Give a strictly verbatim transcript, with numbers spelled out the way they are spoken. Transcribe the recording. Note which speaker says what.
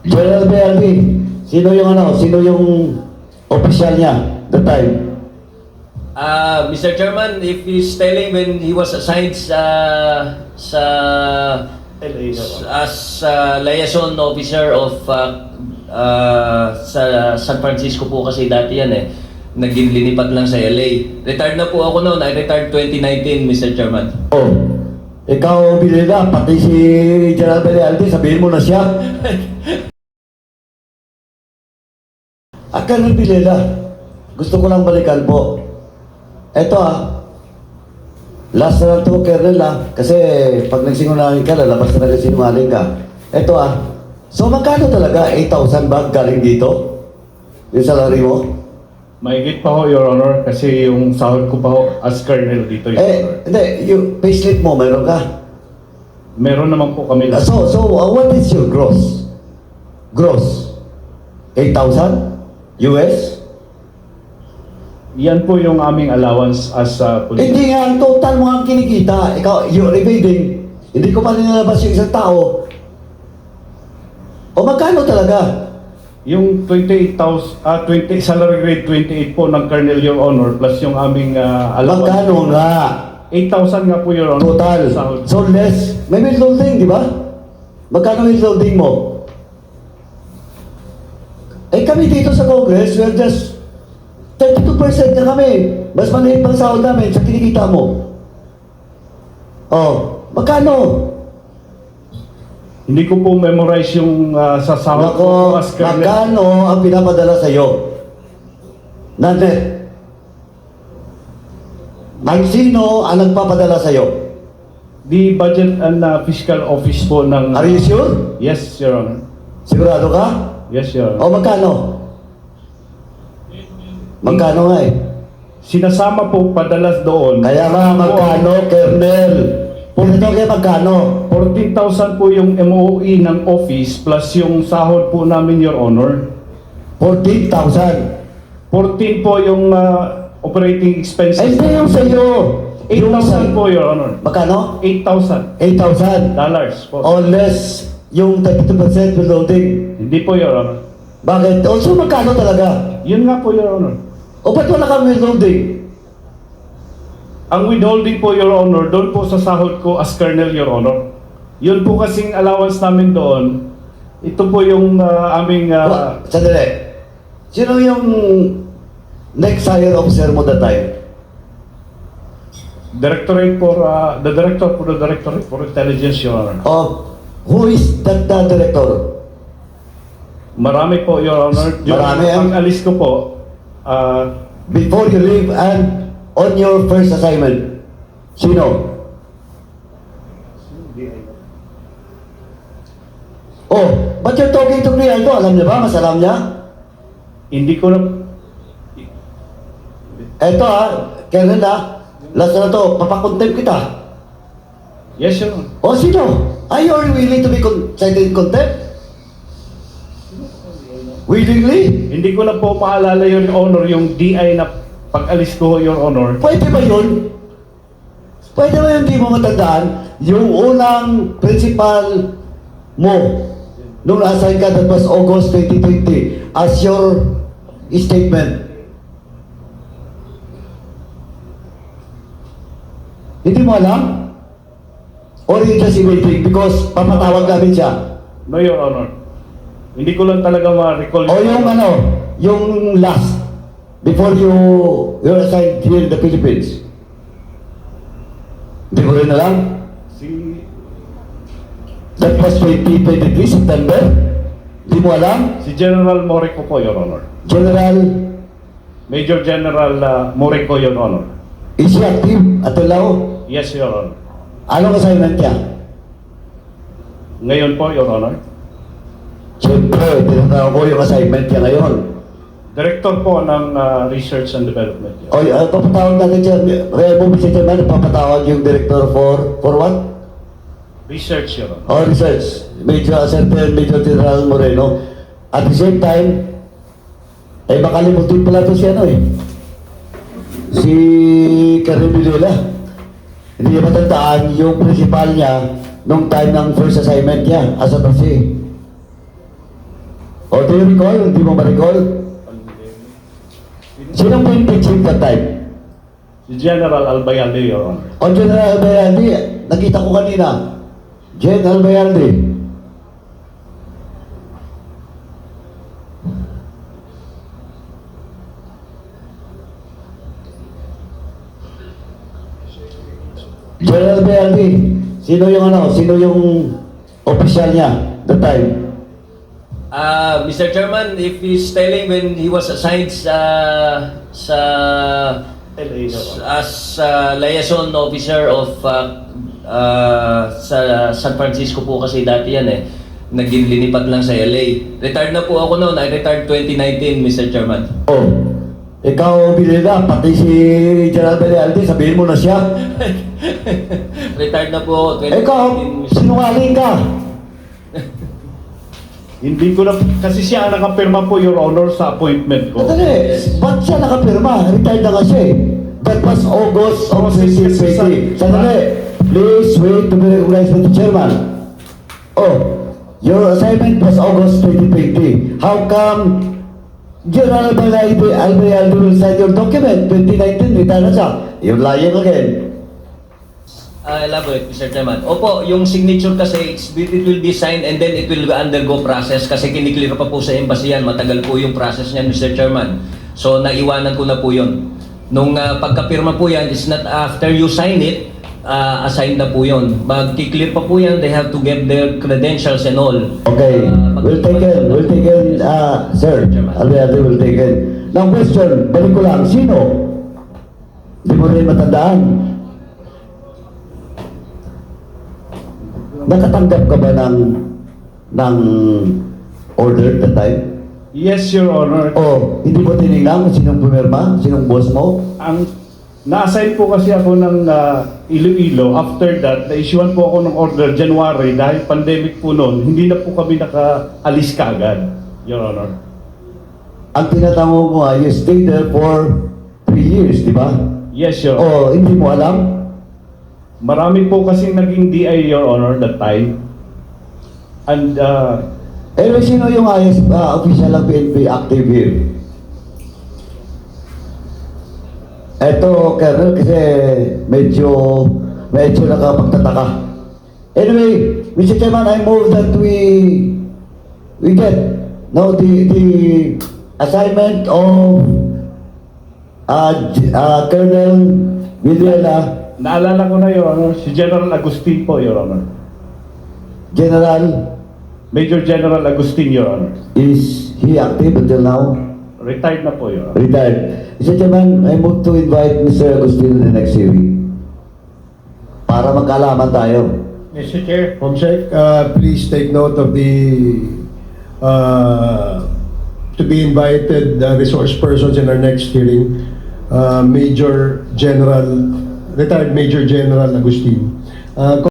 Speaker 1: General B L B, sino yung ano, sino yung official niya that time?
Speaker 2: Uh, Mister Chairman, if he's telling when he was assigned sa sa as uh, liaison officer of uh, uh, sa San Francisco po kasi dati yan eh. Naging linipat lang sa L A. Retired na po ako noon. I retired twenty nineteen, Mister Chairman.
Speaker 1: Oh, ikaw Bilila, pati si General Belialde, sabihin mo na siya. Ah, Colonel Bilila, gusto ko lang balikan po. Eto ah, last na lang to, Colonel ah, kasi pag nagsinungaling ka, lalabas na nagsinungaling ka. Eto ah, so magkano talaga? eight thousand ba galing dito? Yung salary mo?
Speaker 3: Mahigit pa ho, Your Honor, kasi yung sahod ko pa ho as colonel dito, Your Honor.
Speaker 1: Eh, hindi, yung payslip mo, meron ka?
Speaker 3: Meron naman po kami.
Speaker 1: Ah, So, so uh, what is your gross? Gross? eight thousand? U S?
Speaker 3: Yan po yung aming allowance as uh, police.
Speaker 1: Hindi nga, ang total mo ang kinikita. Ikaw, you're evading. Hindi ko pa nilalabas yung isang tao. O magkano talaga?
Speaker 3: Yung twenty-eight thousand, ah, twenty, salary grade twenty-eight po ng colonel, Your Honor, plus yung aming uh, allowance.
Speaker 1: Magkano nga?
Speaker 3: eight thousand nga po, Your Honor.
Speaker 1: Total.
Speaker 3: Sahod.
Speaker 1: So less. May withholding, di ba? Magkano withholding mo? Eh kami dito sa Congress, we're just thirty-two percent na kami. Mas maliit pang sahod namin sa kinikita mo. Oh, magkano?
Speaker 3: Hindi ko po memorize yung uh, sa sahod
Speaker 1: Nako,
Speaker 3: ko as colonel.
Speaker 1: magkano ang pinapadala sa iyo? Na net? Ang sino ang nagpapadala sa iyo?
Speaker 3: The Budget and uh, Fiscal Office po ng...
Speaker 1: Are you sure?
Speaker 3: Yes, Your Honor.
Speaker 1: Sigurado ka?
Speaker 3: Yes, Your Honor.
Speaker 1: O magkano? Magkano nga eh?
Speaker 3: Sinasama po padalas doon.
Speaker 1: Kaya nga magkano, Colonel? Puro kaya magkano?
Speaker 3: fourteen thousand po yung M O E ng office plus yung sahod po namin, Your Honor.
Speaker 1: fourteen thousand.
Speaker 3: fourteen po yung uh, operating
Speaker 1: Ay,
Speaker 3: expenses.
Speaker 1: hindi yung sa iyo.
Speaker 3: eight
Speaker 1: Yung
Speaker 3: thousand
Speaker 1: sa-
Speaker 3: po, Your Honor.
Speaker 1: Magkano?
Speaker 3: eight thousand
Speaker 1: eight thousand.
Speaker 3: dollars po.
Speaker 1: O less yung thirty-two percent withholding.
Speaker 3: Hindi po, Your Honor.
Speaker 1: Bakit? Also, magkano talaga?
Speaker 3: Yun nga po, Your Honor.
Speaker 1: O ba't wala kang withholding?
Speaker 3: Ang withholding po, Your Honor, doon po sa sahod ko as Colonel, Your Honor. Yun po kasing allowance namin doon. Ito po yung uh, aming...
Speaker 1: Wa-
Speaker 3: Uh,
Speaker 1: Sandali. Sino yung next higher officer mo that time?
Speaker 3: Directorate for... Uh, the Director for the Directorate for Intelligence, Your Honor.
Speaker 1: Of who is that, that director?
Speaker 3: Marami po, Your Honor. Yung
Speaker 1: Marami, ah.
Speaker 3: pag-alis ko po, uh,
Speaker 1: Before you leave and on your first assignment, sino? Oh, but you're talking to Grialdo, alam niya ba? Mas alam niya?
Speaker 3: hindi ko na...
Speaker 1: Eto ha, Colonel ha, last na to, papakontempt kita.
Speaker 3: Yes, Your Honor.
Speaker 1: O sino? Are you willing to be con- cited in contempt? Willingly?
Speaker 3: Hindi ko na po maalala, Your Honor, yung D I na pag-alis ko, Your Honor.
Speaker 1: Pwede ba yun? Pwede ba yun, hindi mo matandaan? Yung unang principal mo, nung na-assign ka, that was August twenty twenty, as your statement. Hindi mo alam? Or you just waiting because papatawag namin siya?
Speaker 3: No, Your Honor. Hindi ko lang talaga ma-recall.
Speaker 1: O yung ano, yung last, before you, you're assigned here in the Philippines. Hindi mo rin alam?
Speaker 3: Si,
Speaker 1: That was twenty twenty-three, September. Hindi mo alam?
Speaker 3: si General Morico po, Your Honor.
Speaker 1: General,
Speaker 3: Major General uh, Morico, Your Honor.
Speaker 1: is he active at Lao?
Speaker 3: Yes, Your Honor.
Speaker 1: Anong assignment niya?
Speaker 3: Ngayon po, Your Honor.
Speaker 1: Siyempre, tinatawag ko yung assignment niya ngayon.
Speaker 3: Director po ng uh, Research and Development. Your
Speaker 1: O, uh, papatawag natin siya. Remo, Mister Chairman, papatawag yung director for, for what?
Speaker 3: Research, Your Honor.
Speaker 1: Or research. Major Certain Major General Moreno. At the same time, ay makalimutin pala to si ano eh. Si Karim Villela. Hindi niya matandaan yung principal niya nung time ng first assignment niya as a trustee. O, do you recall? Hindi mo ma-recall? Sinong P N P chief that time?
Speaker 3: Si General Albayalde, Your Honor.
Speaker 1: O, General Albayalde, nakita ko kanina. General Albayalde. General Albayalde, sino yung ano, sino yung official niya that time?
Speaker 2: Ah, Mister Chairman, if he's telling when he was assigned sa sa
Speaker 3: L A, Your Honor.
Speaker 2: as uh, liaison officer of uh, uh, sa San Francisco po kasi dati yan eh. Naging linipat lang sa L A. Retired na po ako noon. I retired twenty nineteen, Mister Chairman.
Speaker 1: Oh, ikaw binila, pati si General Albayalde, sabihin mo na siya.
Speaker 2: Retired na po ako twenty nineteen,
Speaker 1: Ikaw,
Speaker 2: Mister
Speaker 1: sinungaling ka.
Speaker 3: Hindi ko na, kasi siya ang nakapirma po, Your Honor, sa appointment ko.
Speaker 1: Madali, ba't siya nakapirma? Retired na kasi. That was August of
Speaker 3: Oh,
Speaker 1: twenty
Speaker 3: six- six-
Speaker 1: twenty.
Speaker 3: six-
Speaker 1: Sandali, please wait to be recognized by the chairman. Oh, your assignment was August twenty twenty. How come General Albayalde Albayalde will sign your document? twenty nineteen, retired na siya. You're lying again.
Speaker 2: Ah, elaborate, Mister Chairman. Opo, yung signature kasi, it's- it will be signed and then it will undergo process kasi kiniklear pa po sa embassy yan. Matagal po yung process niyan, Mister Chairman. So, naiwanan ko na po yun. Nung ah, pagkapirma po yan, it's not after you sign it, ah, assigned na po yun. Magkiklear pa po yan, they have to get their credentials and all.
Speaker 1: Okay,
Speaker 2: Ah,
Speaker 1: we'll take it, we'll take it, uh, sir, Albayalde will take it. Now question, balik ko lang, sino? Hindi mo rin matandaan. Nakatanggap ka ba ng, ng order that time?
Speaker 3: Yes, Your Honor.
Speaker 1: O, hindi mo tinignan kung sinong pumirma, sinong boss mo?
Speaker 3: Ang na-assign po kasi ako ng ah, Iloilo. After that, na-issuean po ako ng order January dahil pandemic po noon. Hindi na po kami nakaalis kaagad, Your Honor.
Speaker 1: Ang tinatanong mo nga, you stayed there for three years, di ba?
Speaker 3: Yes, Your Honor.
Speaker 1: O, hindi mo alam?
Speaker 3: Marami po kasing naging D I, Your Honor, that time. And uh,
Speaker 1: Anyway, sino yung ayos, uh, official ng P N P active here? Eto, Colonel, kasi medyo, medyo nakapagtataka. Anyway, Mister Chairman, I move that we, we get, no, the, the assignment of uh, J- uh, Colonel Villela,
Speaker 3: naalala ko na, Your Honor, si General Agustin po, Your Honor.
Speaker 1: General,
Speaker 3: Major General Agustin, Your Honor.
Speaker 1: is he active until now?
Speaker 3: Retired na po, Your Honor.
Speaker 1: Retired. Mister Chairman, I move to invite Mister Agustin in the next hearing. Para magkaalaman tayo.
Speaker 4: Mister Chair, Comsec, uh, please take note of the uh, to be invited uh, resource persons in our next hearing. Uh, Major General, retired Major General Agustin. Uh,